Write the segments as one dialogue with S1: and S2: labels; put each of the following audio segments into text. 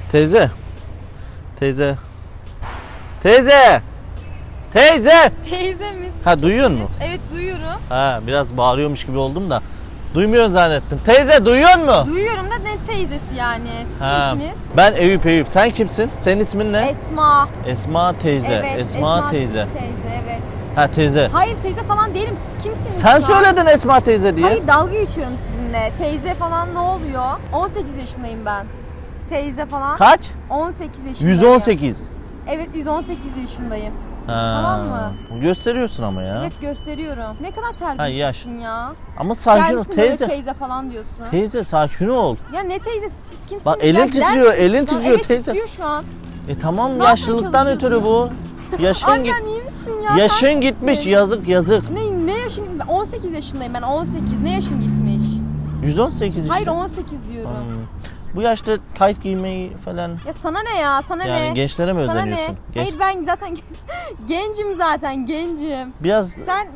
S1: Teyze. Teyze. Teyze. Teyze.
S2: Teyze misin?
S1: Ha, duyuyor musun?
S2: Evet, duyuyorum.
S1: Ha, biraz bağırıyormuş gibi oldum da. Duymuyorsun zannettim. Teyze, duyuyor musun?
S2: Duyuyorum da ne teyzesi yani? Siz
S1: Ha,
S2: kimsiniz?
S1: ben Eyüp. Sen kimsin? Senin ismin ne?
S2: Esma.
S1: Esma teyze.
S2: Evet,
S1: Esma teyze.
S2: Teyze, evet.
S1: Ha, teyze.
S2: Hayır, teyze falan değilim. Siz kimsiniz?
S1: Sen
S2: şu an?
S1: söyledin Esma teyze diye.
S2: Hayır, dalga geçiyorum sizinle. Teyze falan ne oluyor? 18 yaşındayım ben. Teyze falan.
S1: Kaç?
S2: 18 yaşındayım.
S1: 118.
S2: Evet, 118 yaşındayım.
S1: Ha.
S2: Tamam mı?
S1: Gösteriyorsun ama ya.
S2: Evet, gösteriyorum. Ne kadar
S1: Ha, yaş.
S2: terbiyesizsin ya.
S1: Ama sakin ol
S2: Gelmişsin böyle
S1: teyze.
S2: teyze falan diyorsun.
S1: Teyze sakin ol.
S2: Ya ne teyzesi, siz kimsiniz?
S1: Bak,
S2: ya?
S1: elin
S2: Gider
S1: titriyor,
S2: misiniz
S1: elin
S2: şu an?
S1: titriyor
S2: Evet,
S1: teyze.
S2: titriyor şu an.
S1: Tamam,
S2: Ne yapmaya
S1: yaşlılıktan ötürü bu. Yaşın
S2: Abi
S1: git.
S2: sen iyi misin ya?
S1: Yaşın
S2: Sen
S1: gitmiş,
S2: kimsin?
S1: yazık.
S2: Ne yaşın? 18 yaşındayım ben, 18. Ne yaşın gitmiş?
S1: 118 işte.
S2: Hayır, 18 diyorum.
S1: Bu yaşta tayt giymeyi falan,
S2: Ya sana ne ya? Sana
S1: yani
S2: ne?
S1: gençlere mi
S2: Sana
S1: özeniyorsun?
S2: ne?
S1: Genç.
S2: Hayır, ben zaten gencim zaten, gencim.
S1: Biraz
S2: Sen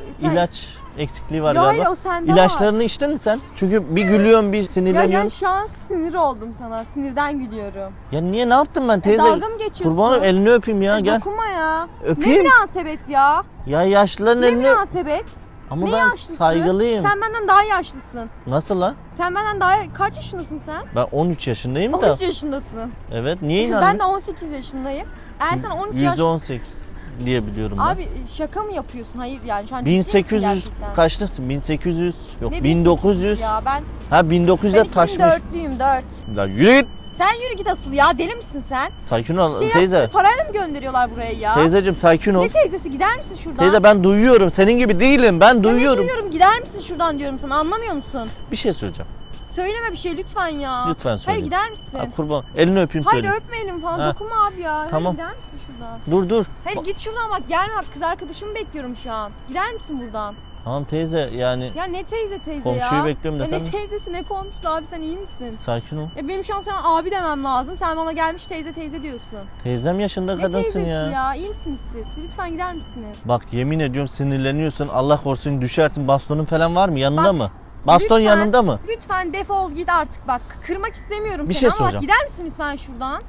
S1: ilaç eksikliği var
S2: Ya
S1: galiba.
S2: hayır, o sende
S1: İlaçlarını içtin mi sen? Çünkü bir gülüyorsun, bir
S2: Ya
S1: sinirleniyorsun.
S2: şu an sinir oldum sana. Sinirden gülüyorum.
S1: Ya niye, ne yaptım ben teyze?
S2: Dalga mı geçiyorsun?
S1: Kurban olayım, elini öpeyim ya, gel.
S2: Dokunma ya.
S1: Öpeyim.
S2: Ne münasebet ya?
S1: Ya yaşlıların
S2: Ne
S1: elini...
S2: münasebet?
S1: Ama
S2: Ne
S1: ben
S2: yaşlısı?
S1: saygılıyım.
S2: Sen benden daha yaşlısın.
S1: Nasıl lan?
S2: Sen benden daha... Kaç yaşındasın sen?
S1: Ben 13 yaşındayım da.
S2: 13 yaşındasın.
S1: Evet, niye inandın?
S2: Ben de 18 yaşındayım. Eğer sen 13 yaş...
S1: %18 diye biliyorum ben.
S2: Abi şaka mı yapıyorsun? Hayır yani şu an ciddi misin
S1: 1800
S2: gerçekten?
S1: kaçtasın? 1800 yok,
S2: Ne
S1: 1900.
S2: Ya ben
S1: 1900'e taşmış.
S2: 2004'lüyüm 4.
S1: La yürü git.
S2: Sen yürü git asıl ya, deli misin sen?
S1: Sakin ol
S2: Ya
S1: teyze.
S2: sizi parayla mı gönderiyorlar buraya ya?
S1: Teyzeciğim sakin ol.
S2: Ne teyzesi, gider misin şuradan?
S1: Teyze, ben duyuyorum. Senin gibi değilim. Ben
S2: Ya
S1: duyuyorum.
S2: ne duyuyorum, gider misin şuradan diyorum sana, anlamıyor musun?
S1: Bir şey söyleyeceğim.
S2: Söyleme bir şey lütfen ya.
S1: Lütfen söyle.
S2: Hayır, gider misin?
S1: Ha, kurban. Elini öpeyim,
S2: Hayır,
S1: söyle.
S2: öpmeyelim falan,
S1: Ha.
S2: dokunma abi ya.
S1: Tamam.
S2: Hayır, gider misin şuradan?
S1: Dur.
S2: Hayır, git şuradan bak, gelme bak, kız arkadaşımı bekliyorum şu an. Gider misin buradan?
S1: Tamam teyze, yani
S2: Ya ne teyze ya?
S1: Komşuyu bekliyorum
S2: Ya
S1: desem.
S2: ne teyzesi, ne komşusu abi, sen iyi misin?
S1: sakin ol.
S2: Ya benim şu an sana abi demem lazım. Sen bana gelmiş teyze diyorsun.
S1: Teyzem yaşında
S2: Ne
S1: kadınsın
S2: teyzesi
S1: ya.
S2: ya? İyi misiniz siz? Lütfen gider misiniz?
S1: Bak, yemin ediyorum sinirleniyorsun. Allah korusun düşersin. Bastonun falan var mı? Yanında
S2: Bak,
S1: mı? Baston
S2: Lütfen,
S1: yanında mı?
S2: Lütfen defol git artık bak. Kırmak istemiyorum
S1: Bir
S2: seni
S1: şey
S2: ama bak,
S1: soracağım.
S2: gider misin lütfen şuradan?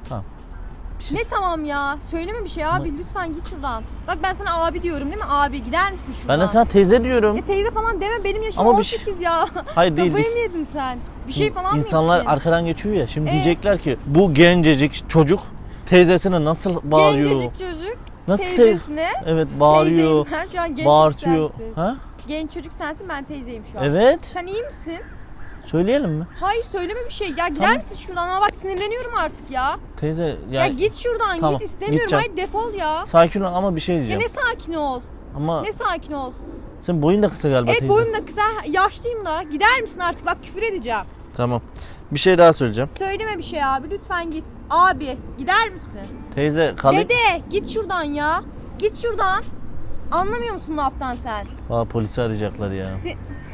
S1: Bir şey-
S2: Ne tamam ya? Söyleme bir şey abi, lütfen git şuradan. Bak ben sana abi diyorum değil mi? Abi gider misin şuradan?
S1: Ben de sana teyze diyorum.
S2: Ya teyze falan deme, benim yaşım
S1: Ama bir
S2: 18 ya.
S1: Hayır, değil.
S2: Kafayı mı yedin sen? Bir şey falan mı
S1: İnsanlar
S2: içtin?
S1: arkadan geçiyor ya. Şimdi diyecekler ki bu gencecik çocuk teyzesine nasıl bağırıyor?
S2: Gencecik çocuk.
S1: Nasıl
S2: teyzesine.
S1: Evet, bağırıyor.
S2: Teyzeyim ben şu an, genç
S1: Bağırtıyor.
S2: çocuk sensin.
S1: Ha?
S2: Genç çocuk sensin, ben teyzeyim şu an.
S1: Evet.
S2: Sen iyi misin?
S1: Söyleyelim mi?
S2: Hayır, söyleme bir şey. Ya gider
S1: Tamam.
S2: misin şuradan? Ama bak sinirleniyorum artık ya.
S1: Teyze
S2: Ya git şuradan,
S1: Tamam,
S2: git, istemiyorum.
S1: gideceğim.
S2: Hayır, defol ya.
S1: sakin ol ama bir şey
S2: Ya
S1: diyeceğim.
S2: ne sakin ol.
S1: Ama
S2: Ne sakin ol.
S1: senin boyun da kısa galiba
S2: Evet,
S1: teyze.
S2: boyum da kısa, yaşlıyım da. Gider misin artık? Bak, küfür edeceğim.
S1: Tamam. Bir şey daha söyleyeceğim.
S2: Söyleme bir şey abi, lütfen git. Abi gider misin?
S1: Teyze kalayım.
S2: Dede git şuradan ya. Git şuradan. Anlamıyor musun laftan sen?
S1: Aa, polisi arayacaklar ya.
S2: Se-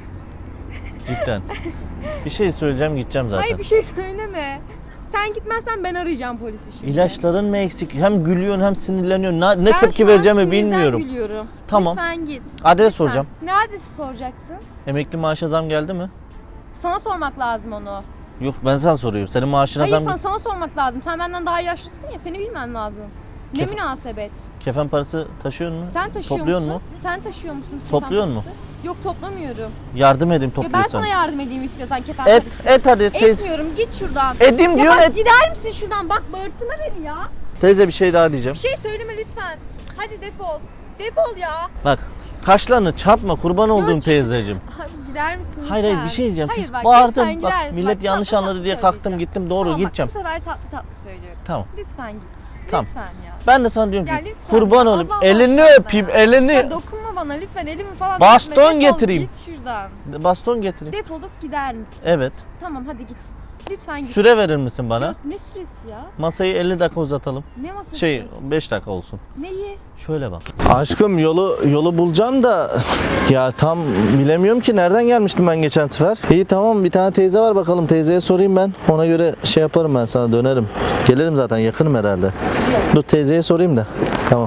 S1: Cidden. Bir şey söyleyeceğim, gideceğim zaten.
S2: Hayır, bir şey söyleme. Sen gitmezsen ben arayacağım polisi şimdi.
S1: İlaçların mı eksik? Hem gülüyorsun hem sinirleniyorsun. Ne
S2: Ben
S1: tepki
S2: şu an
S1: vereceğimi
S2: sinirden
S1: bilmiyorum.
S2: gülüyorum.
S1: Tamam.
S2: Lütfen git.
S1: Adres
S2: Lütfen.
S1: soracağım.
S2: Ne adresi soracaksın?
S1: Emekli maaşa zam geldi mi?
S2: Sana sormak lazım onu.
S1: Yok, ben sana soruyorum. Senin maaşına
S2: Hayır,
S1: zam...
S2: sana sormak lazım. Sen benden daha yaşlısın ya, seni bilmen lazım. Ne
S1: Kef-
S2: münasebet.
S1: Kefen parası taşıyor musun?
S2: Sen taşıyor
S1: Topluyor
S2: musun?
S1: mu?
S2: Sen taşıyor musun? kefen
S1: Topluyor mu?
S2: parası? Yok, toplamıyorum.
S1: Yardım edeyim,
S2: Ya ben
S1: topluyorsan.
S2: sana yardım edeyim istiyorsan kefen
S1: Et,
S2: parası.
S1: et hadi teyze.
S2: Etmiyorum, git şuradan.
S1: Edim
S2: Ya
S1: diyorsun,
S2: bak,
S1: et.
S2: gider misin şuradan? Bak, bağırtma beni ya.
S1: Teyze, bir şey daha diyeceğim.
S2: Bir şey söyleme lütfen. Hadi defol. Defol ya.
S1: Bak, kaşlarını çarpma, kurban olduğum
S2: Yok.
S1: teyzeciğim.
S2: Abi gider misin lütfen?
S1: Hayır bir şey diyeceğim.
S2: Hayır,
S1: Siz
S2: bak,
S1: bağırdın.
S2: lütfen
S1: Bak,
S2: gider misin?
S1: millet
S2: Bak,
S1: yanlış
S2: tatlı
S1: anladı
S2: tatlı
S1: diye kalktım
S2: söyleyeceğim.
S1: gittim, doğru
S2: Tamam,
S1: gideceğim.
S2: Bak, bu sefer tatlı tatlı söylüyorum.
S1: Tamam.
S2: Lütfen git.
S1: Tamam.
S2: Lütfen ya.
S1: Ben de sana diyorum
S2: Ya
S1: ki
S2: lütfen
S1: kurban
S2: ya,
S1: olayım,
S2: Allah
S1: elini
S2: aşkına
S1: öpeyim,
S2: ya.
S1: elini.
S2: Ya dokunma bana lütfen, elimi falan
S1: Baston
S2: öpme. Defol,
S1: getireyim.
S2: Git şuradan.
S1: Baston getireyim.
S2: Defolup gider misin?
S1: Evet.
S2: Tamam, hadi git. Lütfen git.
S1: Süre verir misin bana?
S2: Yok, ne süresi ya?
S1: Masayı 50 dakika uzatalım.
S2: Ne masası?
S1: 5 dakika olsun.
S2: Neyi?
S1: Şöyle bak. Aşkım, yolu bulacaksın da ya tam bilemiyorum ki, nereden gelmiştim ben geçen sefer. İyi, tamam, bir tane teyze var, bakalım teyzeye sorayım ben. Ona göre şey yaparım, ben sana dönerim. Gelirim zaten, yakınım herhalde. Dur teyzeye sorayım da. Tamam.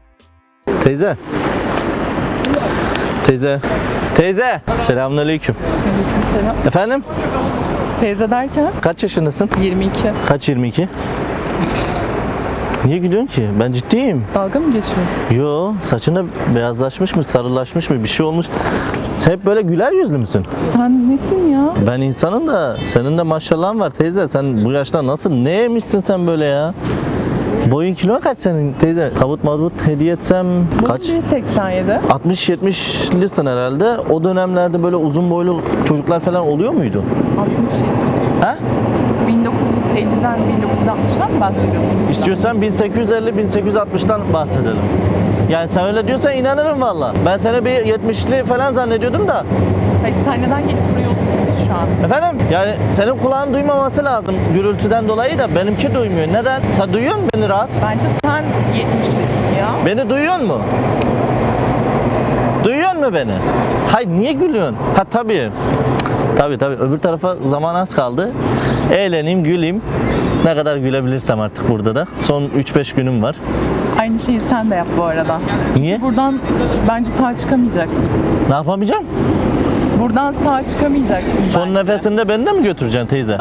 S1: Teyze. Teyze. Teyze. Selamünaleyküm.
S3: Aleykümselam.
S1: Efendim?
S3: Teyze derken
S1: Kaç yaşındasın?
S3: 22.
S1: Kaç 22? Niye gülüyorsun ki? Ben ciddiyim.
S3: Dalga mı geçiyorsun?
S1: Yo, saçında beyazlaşmış mı, sarılaşmış mı, bir şey olmuş. Sen hep böyle güler yüzlü müsün?
S3: Sen nesin ya?
S1: Ben insanım da senin de maşallahın var teyze. Sen bu yaşta nasıl, ne yemişsin sen böyle ya? Boyun kilon kaç senin teyze? Tabut mabut hediye etsem kaç?
S3: Boyum 1.87.
S1: 60-70'lisin herhalde. O dönemlerde böyle uzun boylu çocuklar falan oluyor muydu?
S3: 67.
S1: Ha?
S3: 1950'den 1960'dan mı bahsediyorsun?
S1: İstiyorsan 1850-1860'tan bahsedelim. Yani sen öyle diyorsan inanırım valla. Ben seni bir 70'li falan zannediyordum da.
S3: Hayır, sen neden gelip buraya oturuyorsun şu an?
S1: Efendim? Yani senin kulağın duymaması lazım gürültüden dolayı da benimki duymuyor. Neden? Sen duyuyor musun beni rahat?
S3: Bence sen 70'lisin ya.
S1: Beni duyuyor mu? Duyuyor mu beni? Hayır, niye gülüyorsun? Ha tabii. Tabii öbür tarafa zaman az kaldı. Eğleneyim, güleyim. Ne kadar gülebilirsem artık burada da. Son 3-5 günüm var.
S3: Aynı şeyi sen de yap bu arada.
S1: Niye?
S3: Buradan bence sağ çıkamayacaksın.
S1: Ne yapamayacağım?
S3: Buradan sağ çıkamayacaksın
S1: Son
S3: bence.
S1: nefesinde beni de mi götüreceksin teyze?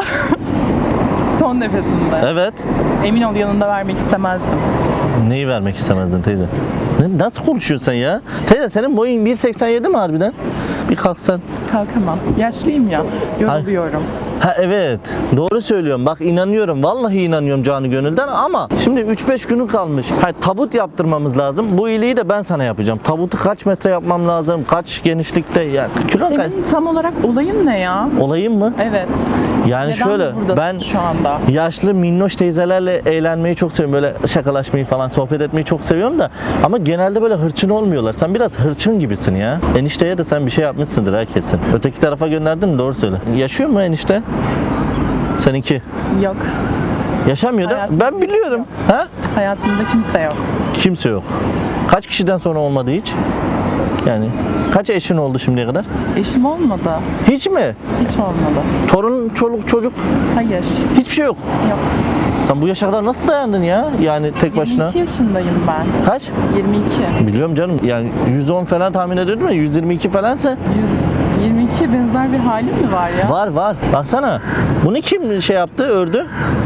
S3: Son nefesinde.
S1: Evet.
S3: Emin ol, yanında vermek istemezdim.
S1: Neyi vermek istemezdin teyze? Nasıl konuşuyorsun sen ya? Teyze senin boyun 1.87 mi harbiden? Bir kalksan.
S3: Kalkamam. Yaşlıyım ya. Yoruluyorum.
S1: Ha evet, doğru söylüyorum. Bak inanıyorum, vallahi inanıyorum canı gönülden ama şimdi 3-5 günü kalmış. Ha, tabut yaptırmamız lazım. Bu iyiliği de ben sana yapacağım. Tabutu kaç metre yapmam lazım? Kaç genişlikte? Ya kilon kaç?
S3: Senin tam olarak olayın ne ya?
S1: Olayım mı?
S3: Evet.
S1: Yani
S3: Neden
S1: şöyle
S3: buradasın
S1: ben
S3: şu anda?
S1: yaşlı minnoş teyzelerle eğlenmeyi çok seviyorum. Böyle şakalaşmayı falan, sohbet etmeyi çok seviyorum da ama genelde böyle hırçın olmuyorlar. Sen biraz hırçın gibisin ya. Enişteye de sen bir şey yapmışsındır ha kesin. Öteki tarafa gönderdin mi? Doğru söyle. Yaşıyor mu enişte? Seninki.
S3: Yok.
S1: Yaşamıyor da
S3: Hayatımda
S1: ben biliyorum. Ha?
S3: Hayatımda kimse yok.
S1: Kimse yok. Kaç kişiden sonra olmadı hiç? Yani kaç eşin oldu şimdiye kadar?
S3: Eşim olmadı.
S1: Hiç mi?
S3: Hiç olmadı.
S1: Torun, çoluk, çocuk
S3: Hayır.
S1: hiçbir şey yok.
S3: Yok.
S1: Sen bu yaşa kadar nasıl dayandın ya? Yani tek başına.
S3: 22 yaşındayım ben.
S1: Kaç?
S3: 22.
S1: Biliyorum canım. Yani 110 falan tahmin ediyordum ya. 122 falansa.
S3: 122 benzer bir halim mi var ya?
S1: Var. Baksana. Bunu kim şey yaptı, ördü?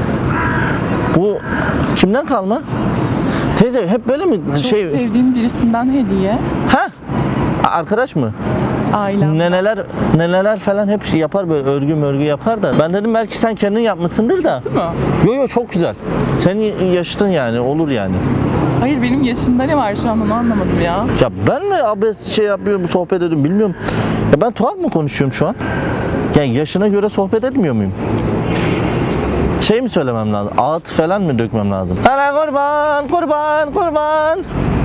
S1: Bu kimden kalma? Teyze hep böyle mi?
S3: Çok sevdiğim birisinden hediye.
S1: Ha? Arkadaş mı?
S3: Ailem.
S1: Neneler falan hep şey yapar, böyle örgü yapar da. Ben dedim belki sen kendin yapmışsındır da.
S3: Değil mi?
S1: Yo çok güzel. Senin yaşıtın yani, olur yani.
S3: Hayır, benim yaşımda ne var şu an, onu anlamadım ya.
S1: Ya ben mi abes şey yapıyorum, sohbet ediyorum bilmiyorum. Ya ben tuhaf mı konuşuyorum şu an? Yani yaşına göre sohbet etmiyor muyum? Şey mi söylemem lazım? Ağıt falan mı dökmem lazım? Hele kurban.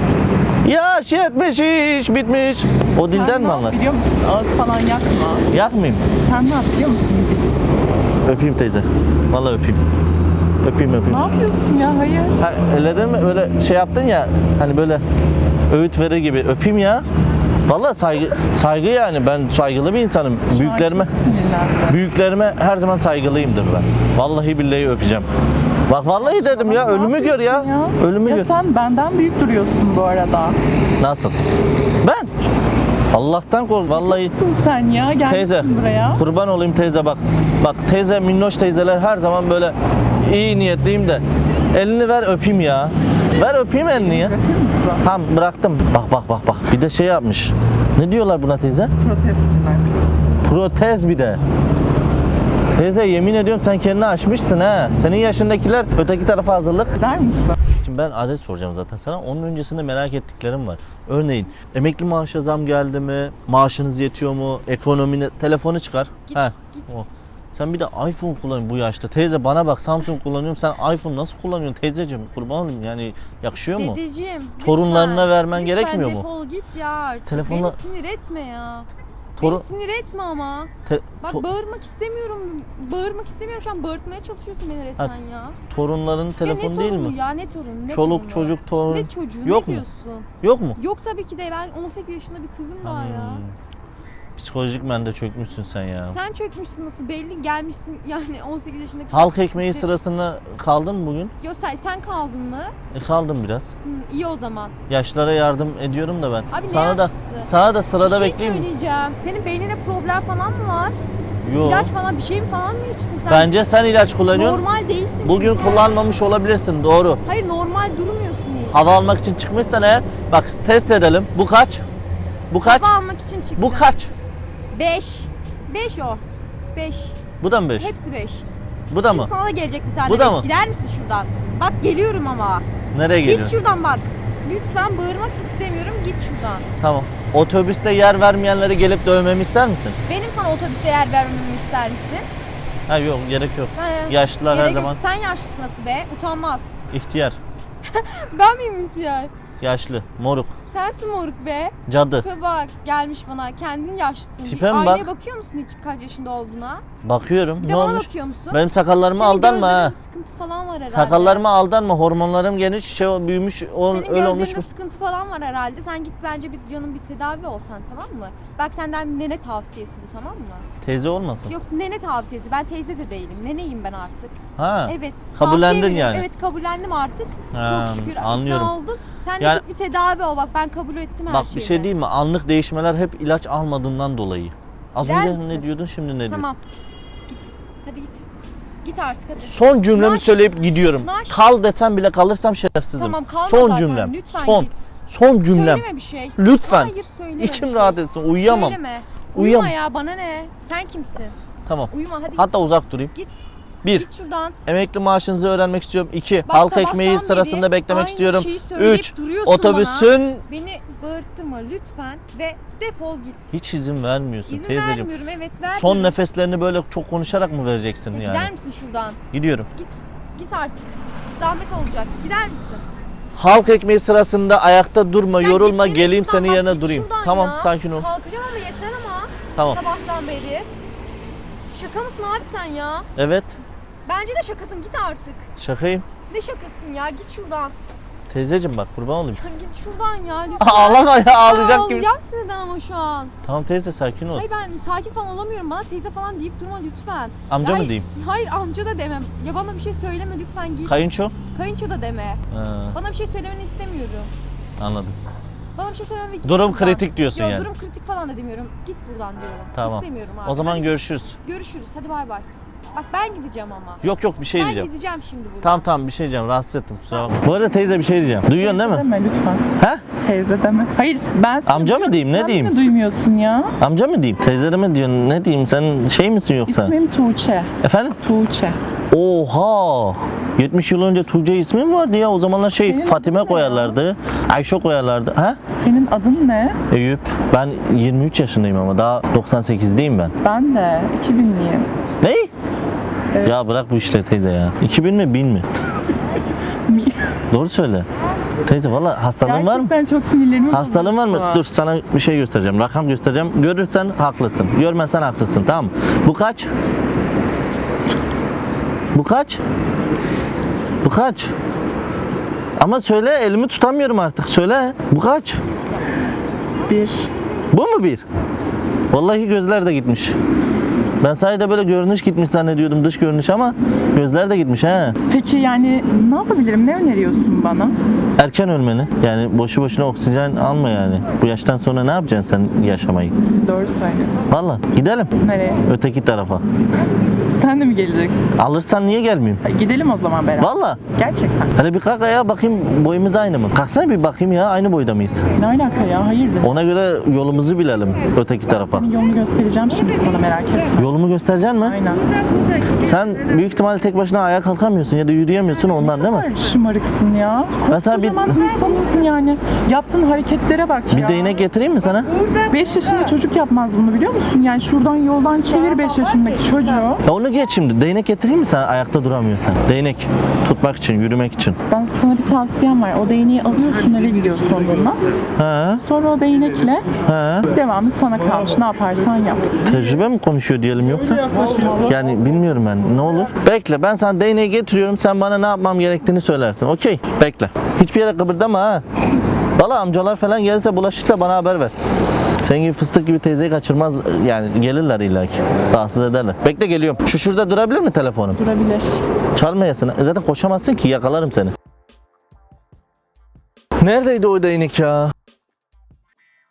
S1: Yaş yetmiş iş bitmiş. O dilden
S3: Sen
S1: mi
S3: ne
S1: anlarsın?
S3: biliyor musun? Ağıt falan yakma.
S1: Yakmayayım.
S3: Sen ne yap biliyor musun? Git.
S1: Öpeyim teyze. Vallahi öpeyim. Öpeyim.
S3: Ne yapıyorsun ya? Hayır.
S1: Ha, öyle değil mi? Öyle şey yaptın ya. Hani böyle öğüt verir gibi. Öpeyim ya. Vallahi saygı yani. Ben saygılı bir insanım.
S3: Büyüklerime. Çok sinirlendim.
S1: Büyüklerime her zaman saygılıyımdır ben. Vallahi billahi öpeceğim. Bak vallahi dedim ya.
S3: Ne
S1: Ölümü gör ya.
S3: yapıyorsun
S1: Ölümü
S3: ya
S1: gör.
S3: sen benden büyük duruyorsun bu arada.
S1: Nasıl? Ben? Allah'tan kork. Vallahi
S3: Nasılsın sen ya? Gelmişsin
S1: teyze.
S3: buraya.
S1: Kurban olayım teyze bak. Bak teyze, minnoş teyzeler her zaman böyle iyi niyetliyim de. Elini ver öpeyim ya. Ver öpeyim elini ya.
S3: Bırakır mısın?
S1: Tamam bıraktım. Bak. Bir de şey yapmış. Ne diyorlar buna teyze?
S3: Protestçiler.
S1: Protez bir de. Teyze yemin ediyorum sen kendini aşmışsın ha. Senin yaşındakiler öteki tarafa hazırlık.
S3: Der misin?
S1: Şimdi ben adet soracağım zaten sana. Onun öncesinde merak ettiklerim var. Örneğin emekli maaşa zam geldi mi? Maaşınız yetiyor mu? Ekonomine telefonu çıkar.
S2: Git.
S1: O. Sen bir de iPhone kullanıyorsun bu yaşta. Teyze bana bak, Samsung kullanıyorum. Sen iPhone nasıl kullanıyorsun teyzeciğim? Kurban olayım yani, yakışıyor mu?
S2: Dedeciğim.
S1: Torunlarına
S2: lütfen,
S1: vermen gerekmiyor mu?
S2: Lütfen defol git ya artık.
S1: Telefonla-
S2: Beni sinir etme ya.
S1: Torun-
S2: Beni sinir etme ama. Bak bağırmak istemiyorum. Bağırmak istemiyorum şu an. Bağırtmaya çalışıyorsun beni resmen ya.
S1: Torunların telefonu
S2: ya ne
S1: değil
S2: torunu
S1: mi?
S2: ya, ne torun? Ne
S1: Çoluk
S2: torunu?
S1: çocuk torun.
S2: Ne çocuğu?
S1: Yok
S2: ne
S1: mu?
S2: diyorsun?
S1: Yok mu?
S2: Yok tabii ki de. Ben 18 yaşında bir kızım daha ya.
S1: Psikolojik mende çökmüşsün sen ya.
S2: Sen çökmüşsün nasıl belli, gelmişsin yani 18 yaşındaki.
S1: Halk ekmeği sırasında kaldın mı bugün?
S2: Yok sen kaldın mı?
S1: Kaldım biraz.
S2: İyi o zaman.
S1: Yaşlara yardım ediyorum da ben.
S2: Abi ne
S1: sana da
S2: yaşlısı?
S1: sana da sırada
S2: Bir şey
S1: bekleyeyim mi?
S2: söyleyeceğim. Senin beyninde problem falan mı var?
S1: Yo.
S2: İlaç falan bir şey mi falan mı içtin sen?
S1: Bence sen ilaç kullanıyorsun.
S2: Normal değilsin
S1: Bugün
S2: çünkü.
S1: kullanmamış olabilirsin, doğru.
S2: Hayır normal durmuyorsun hiç.
S1: Hava almak için çıkmışsan eğer, bak test edelim. Bu kaç? Bu kaç?
S2: Hava almak için çıktım.
S1: Bu kaç?
S2: 5. 5 o. 5.
S1: Bu da mı 5?
S2: Hepsi 5.
S1: Bu da
S2: Şimdi
S1: mı?
S2: sana da gelecek bir tane
S1: Bu da
S2: 5.
S1: mı?
S2: Gider misin şuradan? Bak geliyorum ama.
S1: Nereye
S2: Git
S1: geliyorsun?
S2: şuradan bak. Lütfen bağırmak istemiyorum. Git şuradan.
S1: Tamam. Otobüste yer vermeyenleri gelip dövmemi ister misin?
S2: Benim sana otobüste yer vermemi ister misin?
S1: Ha yok, gerek yok.
S2: He.
S1: Yaşlılar her
S2: Gerek yok.
S1: zaman
S2: Sen yaşlısın nasıl be? Utanmaz.
S1: ihtiyar.
S2: Ben miyim ihtiyar?
S1: Yaşlı, moruk,
S2: Sensin moruk be.
S1: cadı.
S2: Tipe bak gelmiş bana. Kendin yaşlısın.
S1: Tipe
S2: Bir
S1: mi
S2: aynaya
S1: bak?
S2: bakıyor musun hiç kaç yaşında olduğuna?
S1: Bakıyorum.
S2: Bir
S1: Ne
S2: de bana
S1: olmuş?
S2: bakıyor musun?
S1: Benim sakallarıma
S2: Senin
S1: aldanma ha.
S2: gözlerinde sıkıntı falan var herhalde.
S1: Sakallarıma aldanma. Hormonlarım geniş, büyümüş,
S2: Senin
S1: öyle
S2: gözlerinde
S1: olmuş mu?
S2: sıkıntı falan var herhalde. Sen git bence bir canın bir tedavi olsan, tamam mı? Bak senden nene tavsiyesi bu, tamam mı?
S1: Teyze olmasın.
S2: Yok, nene tavsiyesi. Ben teyze de değilim. Neneyim ben artık.
S1: Ha.
S2: Evet.
S1: Kabullendin
S2: tavsiye veriyorum.
S1: yani.
S2: Evet, kabullendim artık.
S1: Ha,
S2: Çok şükür
S1: anlıyorum.
S2: ikna oldum. Sen de
S1: Yani-
S2: git bir tedavi ol. Bak ben kabul ettim her
S1: Bak
S2: şeyi.
S1: bir şey diyeyim mi? Anlık değişmeler hep ilaç almadığından dolayı. Az
S2: Gider
S1: önce
S2: misin?
S1: ne diyordun, şimdi ne diyorsun?
S2: Tamam. Git. Hadi git. Git artık hadi.
S1: Son cümlemi
S2: Naş,
S1: söyleyip gidiyorum.
S2: naş.
S1: Kal desem bile kalırsam şerefsizim.
S2: Tamam, kalma
S1: Son
S2: zaten.
S1: cümlem.
S2: Lütfen
S1: Son.
S2: git.
S1: Son cümlem.
S2: Söyleme bir şey.
S1: Lütfen.
S2: Hayır, söyleme
S1: İçim
S2: bir
S1: rahat
S2: şey.
S1: etsin. Uyuyamam.
S2: Söyleme.
S1: Uyuyamam.
S2: Uyuma ya, bana ne? Sen kimsin?
S1: Tamam.
S2: Uyuma hadi
S1: Hatta uzak durayım.
S2: git.
S1: 1.
S2: Git şuradan.
S1: Emekli maaşınızı öğrenmek istiyorum. 2.
S2: Bak,
S1: Halk
S2: sabahtan
S1: ekmeği
S2: beri
S1: sırasında beklemek
S2: aynı
S1: istiyorum.
S2: şeyi söyleyip
S1: 3.
S2: duruyorsun
S1: Otobüsün
S2: Beni bağırtma lütfen ve defol git.
S1: hiç izin vermiyorsun
S2: İzin
S1: teyzeciğim.
S2: vermiyorum, evet vermiyorum.
S1: Son nefeslerini böyle çok konuşarak mı vereceksin yani?
S2: Gider misin şuradan?
S1: Gidiyorum.
S2: Git. Git artık. Zahmet olacak. Gider misin?
S1: Halk ekmeği sırasında ayakta durma,
S2: Ya
S1: yorulma,
S2: gitsene
S1: geleyim
S2: şuradan,
S1: senin
S2: bak,
S1: yerine
S2: git
S1: durayım.
S2: şuradan
S1: Tamam,
S2: ya.
S1: sakin ol.
S2: Kalkacağım ama yeter ama.
S1: Tamam.
S2: Sabahtan beri. Şaka mısın abi sen ya?
S1: Evet,
S2: Bence de şakasın, git artık.
S1: şakayım.
S2: Ne şakasın ya, git şuradan.
S1: Teyzeciğim bak, kurban olayım.
S2: Ya git şuradan ya lütfen.
S1: Ağlama ya, ağlayacak gibi.
S2: Ağlayacağım sinirden ama şu an.
S1: Tamam teyze, sakin ol.
S2: Hayır ben sakin falan olamıyorum. Bana teyze falan deyip durma lütfen.
S1: Amca mı
S2: Hayır,
S1: diyeyim?
S2: Hayır amca da demem. Ya bana bir şey söyleme lütfen git.
S1: Kayınço?
S2: Kayınço da deme.
S1: Ha,
S2: Bana bir şey söylemeni istemiyorum.
S1: anladım.
S2: Bana bir şey söyleme ve git
S1: Durum
S2: buradan.
S1: kritik diyorsun
S2: Yok,
S1: yani.
S2: durum kritik falan da demiyorum. Git buradan diyorum.
S1: Tamam.
S2: İstemiyorum abi.
S1: O zaman
S2: Hadi
S1: görüşürüz.
S2: görüşürüz. Hadi bay bay. Bak ben gideceğim ama.
S1: Yok yok, bir şey
S2: Ben
S1: diyeceğim.
S2: gideceğim şimdi buradan.
S1: Tamam tamam, bir şey diyeceğim. Rahatsız ettim, kusura bakma. Bu arada teyze bir şey diyeceğim. Duyuyorsun değil mi?
S3: Deme lütfen.
S1: He?
S3: Teyze deme. Hayır ben sana
S1: Amca mı
S3: diyorum,
S1: diyeyim, ne
S3: sen
S1: diyeyim?
S3: beni duymuyorsun ya.
S1: Amca mı diyeyim? Teyze de mi diyorsun? Ne diyeyim? Sen şey misin yoksa?
S3: İsmim Tuğçe.
S1: Efendim?
S3: Tuğçe.
S1: Oha! 70 yıl önce Tuğçe ismi mi vardı ya? O zamanlar şey
S3: Senin
S1: Fatime
S3: adın ne
S1: koyarlardı. Ayşe koyarlardı. Ha?
S3: Senin adın ne?
S1: Eyüp. Ben 23 yaşındayım ama daha 98'deyim ben.
S3: Ben de 2000'liyim.
S1: Ne?
S3: Evet.
S1: Ya bırak bu işleri teyze ya. 2000 mi 1000 mi? Doğru söyle. Teyze valla hastalığın var mı?
S3: Gerçekten çok sinirlerimi
S1: Hastalığın var mı?
S3: bozuyorsun.
S1: Dur sana bir şey göstereceğim. Rakam göstereceğim. Görürsen haklısın. Görmezsen haksızsın. Tamam mı? Bu kaç? Bu kaç? Bu kaç? Ama söyle, elimi tutamıyorum artık. Söyle. Bu kaç?
S3: 1.
S1: Bu mu bir? Vallahi gözler de gitmiş. Ben sadece böyle görünüş gitmiş zannediyordum, dış görünüş, ama gözler de gitmiş ha.
S3: Peki yani ne yapabilirim? Ne öneriyorsun bana?
S1: Erken ölmeni. Yani boşu boşuna oksijen alma yani. Bu yaştan sonra ne yapacaksın sen yaşamayı?
S3: Doğru söylüyorsun.
S1: Vallahi gidelim.
S3: Nereye?
S1: Öteki tarafa.
S3: Sen de mi geleceksin?
S1: Alırsan niye gelmeyeyim?
S3: Gidelim o zaman beraber.
S1: Vallahi.
S3: Gerçekten.
S1: Hadi bir kalk ayağa bakayım, boyumuz aynı mı? Kalksana bir bakayım ya, aynı boyda mıyız?
S3: Ne alaka ya? Hayırdır?
S1: Ona göre yolumuzu bilelim öteki tarafa.
S3: Senin yolunu göstereceğim şimdi sana, merak etme.
S1: Yolumu göstereceksin mi?
S3: Aynen.
S1: Sen büyük ihtimalle tek başına ayağa kalkamıyorsun ya da yürüyemiyorsun ondan, değil mi?
S3: Şımarıksın ya.
S1: Ben sana bir-
S3: Koskocaman insansın yani. Yaptığın hareketlere bak
S1: Bir
S3: ya.
S1: değnek getireyim mi sana?
S3: 5 yaşında çocuk yapmaz bunu, biliyor musun? Yani şuradan yoldan çevir 5 yaşındaki çocuğu.
S1: Ya onu geç şimdi. Değnek getireyim mi sana ayakta duramıyorsan? Değnek. Tutmak için, yürümek için.
S3: Ben sana bir tavsiyem var. O değneği alıyorsun, eve gidiyorsun onunla.
S1: Ha?
S3: Sonra o değnekle
S1: Ha?
S3: devamı sana kalmış. Ne yaparsan yap.
S1: Tecrübe mi konuşuyor diyelim yoksa? Yani bilmiyorum ben. Ne olur? Bekle, ben sana değneği getiriyorum. Sen bana ne yapmam gerektiğini söylersin. Okey. Bekle. Hiçbir yere kıpırdama ha. Valla amcalar falan gelirse, bulaşırsa bana haber ver. Senin gibi fıstık gibi teyzeyi kaçırmaz, yani gelirler illaki. Rahatsız ederler. Bekle, geliyorum. Şu şurada durabilir mi telefonum?
S3: Durabilir.
S1: Çalmayasın. Zaten koşamazsın ki, yakalarım seni. Neredeydi o değnek ya?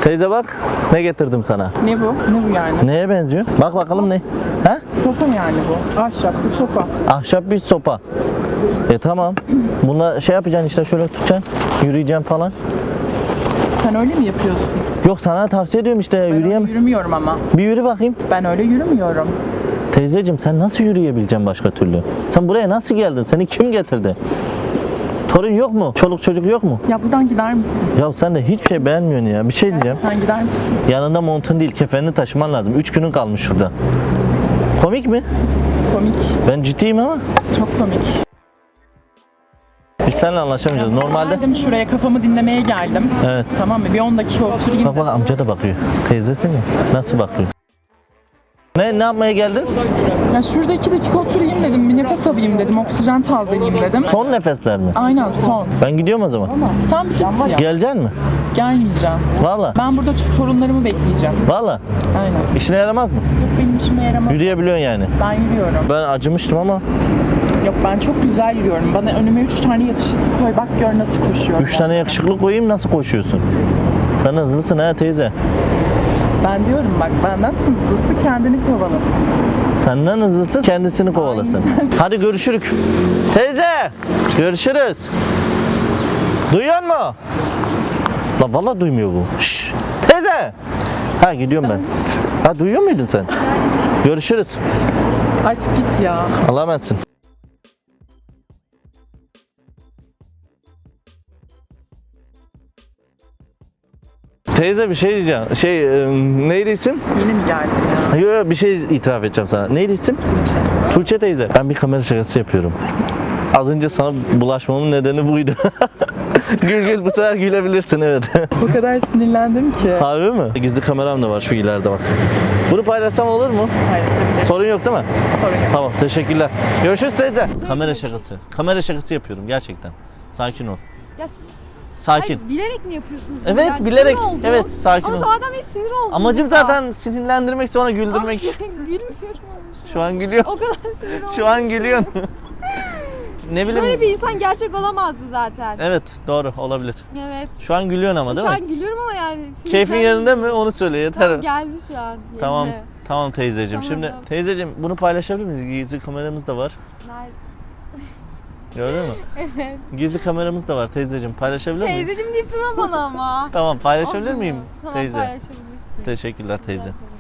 S1: Teyze bak ne getirdim sana.
S3: Ne bu? Ne bu yani?
S1: Neye benziyor? Bak bakalım ne? Ha?
S3: Sopa yani bu. Ahşap bir sopa.
S1: Ahşap bir sopa. Tamam. Bununla şey yapacaksın işte şöyle tutacaksın. Yürüyeceksin falan.
S3: Sen öyle mi yapıyorsun?
S1: Yok sana tavsiye ediyorum işte
S3: Ben öyle
S1: yürüyemez.
S3: yürümüyorum ama.
S1: Bir yürü bakayım.
S3: Ben öyle yürümüyorum.
S1: Teyzeciğim sen nasıl yürüyebileceksin başka türlü? Sen buraya nasıl geldin? Seni kim getirdi? Torun yok mu? Çoluk çocuk yok mu?
S3: Ya buradan gider misin?
S1: Ya sen de hiçbir şey beğenmiyorsun ya. Bir şey diyeceğim.
S3: Gerçekten gider misin?
S1: Yanında montun değil kefenini taşıman lazım. 3 günün kalmış şurada. Komik mi?
S3: Komik.
S1: Ben ciddiyim ama.
S3: Çok komik.
S1: Biz seninle anlaşamayacağız. Normalde...
S3: Geldim şuraya, kafamı dinlemeye geldim.
S1: Evet.
S3: Tamam mı? Bir 10 dakika oturayım.
S1: Bak bak amca da bakıyor. Teyzesi mi? Nasıl bakıyor? Ne yapmaya geldin?
S3: Ya şurada 2 dakika oturayım dedim. Bir nefes alayım dedim. Oksijen tazeleyeyim dedim.
S1: Son nefesler mi?
S3: Aynen son.
S1: Ben gidiyorum o zaman.
S3: Sen bir git ya.
S1: Geleceksin mi?
S3: Gelmeyeceğim.
S1: Valla.
S3: Ben burada torunlarımı bekleyeceğim.
S1: Valla.
S3: Aynen.
S1: İşine yaramaz mı?
S3: Yok benim işime yaramaz.
S1: Yürüyebiliyorsun yani.
S3: Ben yürüyorum.
S1: Ben acımıştım ama.
S3: Yok ben çok güzel yürüyorum. Bana önüme 3 tane yakışıklı koy. Bak gör nasıl koşuyorum.
S1: 3 tane yakışıklı koyayım nasıl koşuyorsun? Sen hızlısın ha teyze.
S3: Ben diyorum bak benden hızlısı kendini kovalasın.
S1: Senden hızlısı kendisini kovalasın. Hadi görüşürük. Teyze! Görüşürüz. Duyuyor mu? La vallahi duymuyor bu. Şşş. Teyze! Ha gidiyorum ben. Ha duyuyor muydun sen? Görüşürüz.
S3: Artık git ya.
S1: Allah'a emanetsin. Teyze bir şey diyeceğim. Neydi isim?
S3: Yeni mi geldin ya?
S1: Yok bir şey itiraf edeceğim sana. Neydi isim? Tuğçe teyze. Ben bir kamera şakası yapıyorum. Az önce sana bulaşmamın nedeni buydu. Gül bu sefer gülebilirsin evet.
S3: O kadar sinirlendim ki.
S1: Harbi mi? Gizli kameram da var şu ileride bak. Bunu paylaşsam olur mu?
S3: Paylaşabilirsin.
S1: Sorun yok değil mi?
S3: Sorun yok.
S1: Tamam teşekkürler. Görüşürüz teyze. Kamera şakası. Kamera şakası yapıyorum gerçekten. Sakin ol.
S2: Ya siz
S1: Sakin.
S2: hayır, bilerek mi yapıyorsunuz? bunu?
S1: Evet,
S2: Yani
S1: bilerek.
S2: sinir oldum.
S1: Evet, sakin
S2: Ama
S1: ol.
S2: zaten bir sinir oldum.
S1: Amacım zaten sinirlendirmek sonra güldürmek.
S2: Gülmüyorum
S1: Şu an gülüyor.
S2: O kadar sinir oldum.
S1: Şu an gülüyorsun. Ne bileyim.
S2: Böyle bir insan gerçek olamazdı zaten.
S1: Evet doğru olabilir.
S2: Evet.
S1: Şu an gülüyorsun ama değil
S2: Şu
S1: mi?
S2: an gülüyorum ama yani.
S1: Keyfin yerinde mi? Onu söyle yeter.
S2: Tamam, geldi şu an.
S1: Tamam.
S2: yerine.
S1: Tamam teyzeciğim.
S2: Tamam,
S1: Şimdi
S2: tamam.
S1: teyzeciğim bunu paylaşabilir miyiz? Gizli kameramız da var.
S2: Nerede?
S1: Gördün mü?
S2: Evet.
S1: Gizli kameramız da var teyzeciğim. Paylaşabilir miyiz?
S2: Teyzeciğim deyip durma bana ama.
S1: Tamam paylaşabilir miyim
S2: Tamam
S1: teyze?
S2: paylaşabilirsin.
S1: Teşekkürler teyze.